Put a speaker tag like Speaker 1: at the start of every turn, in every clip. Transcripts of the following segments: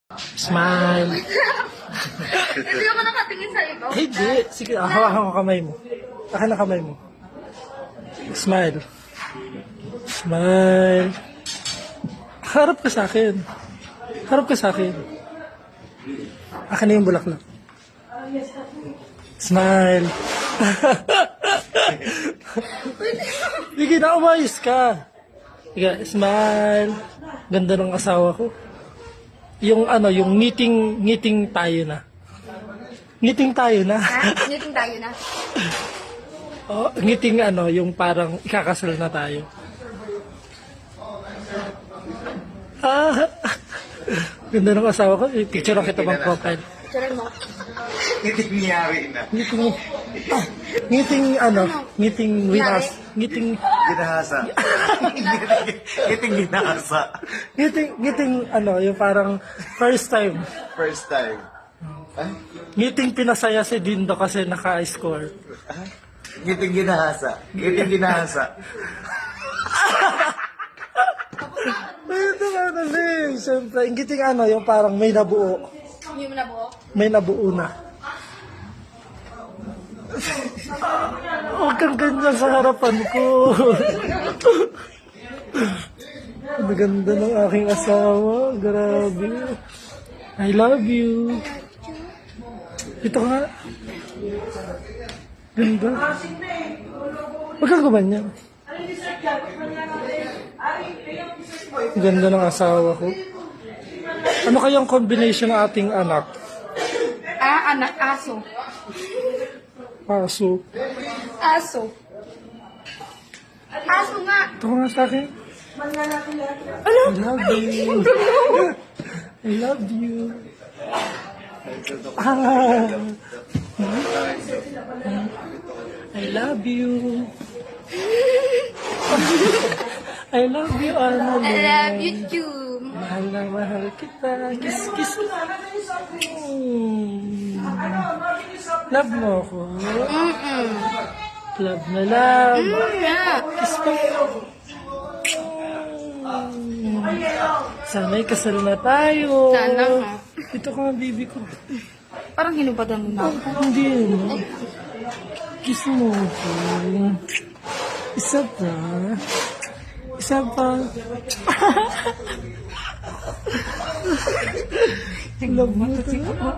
Speaker 1: Smile.
Speaker 2: Hindi ako nakatingin sa iba.
Speaker 1: Hindi. Sige, hawakan ko kamay mo. Akin na kamay mo. Smile. Smile. Harap ka sa akin. Harap ka sa akin. Akin na yung bulaklak. Smile. Sige na, umayos ka. Sige, smile. Ganda ng asawa ko. Yung yung ngiting tayo na. Ngiting tayo na.
Speaker 2: Ha? Ngiting tayo na.
Speaker 1: Oh, ngiting yung parang ikakasal na tayo. Ganda ng asawa ko. Picture lang kita bang profile.
Speaker 2: Picture mo.
Speaker 3: Ngiting niyari na.
Speaker 1: Ngiting winas. Ngiting
Speaker 3: Ginahasa. Ngiting ginahasa.
Speaker 1: ngiting yung parang first time.
Speaker 3: First time. Ay?
Speaker 1: Ngiting pinasaya si Dindo kasi naka-score.
Speaker 3: Ngiting ginahasa. Ngiting ginahasa.
Speaker 1: Ito siyempre, ngiting yung parang may nabuo.
Speaker 2: Hindi mo na buo.
Speaker 1: May nabuo na. Huwag kang ganyan sa harapan ko. Ang ganda ng aking asawa. Grabe. I love you. Ito nga. Ganda. Huwag kang gumanyan. Ang ganda ng asawa ko. Ano kayang combination ng ating anak?
Speaker 2: Anak, aso.
Speaker 1: Aso.
Speaker 2: Aso. Aso nga.
Speaker 1: Ito nga sa akin.
Speaker 2: Ano?
Speaker 1: I love you. I love you. I love you. I love you, Annalyn.
Speaker 2: I love you too.
Speaker 1: Mahal na mahal kita. Kiss, kiss. Love mo ako. Love na love.
Speaker 2: Yeah.
Speaker 1: Kiss pa. Sana'y kasal na tayo.
Speaker 2: Sana nga.
Speaker 1: Ito ka nga, baby ko.
Speaker 2: Parang hinubadan mo na ako.
Speaker 1: Hindi mo. Kiss mo ako. Isa pa. Isa pa. Love mo to.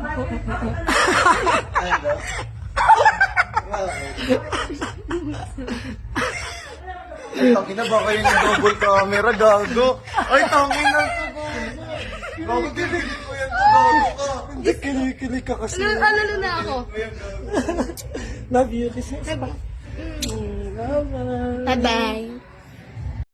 Speaker 3: Tangin na ba kayo yung double camera, gago? Ay, tangin na ito, gago, diligid ko yan, gago ka.
Speaker 1: Hindi, kilig ka kasi.
Speaker 2: Alalo na ako.
Speaker 1: Love you. Kiss mo. Bye-bye.
Speaker 2: Bye-bye.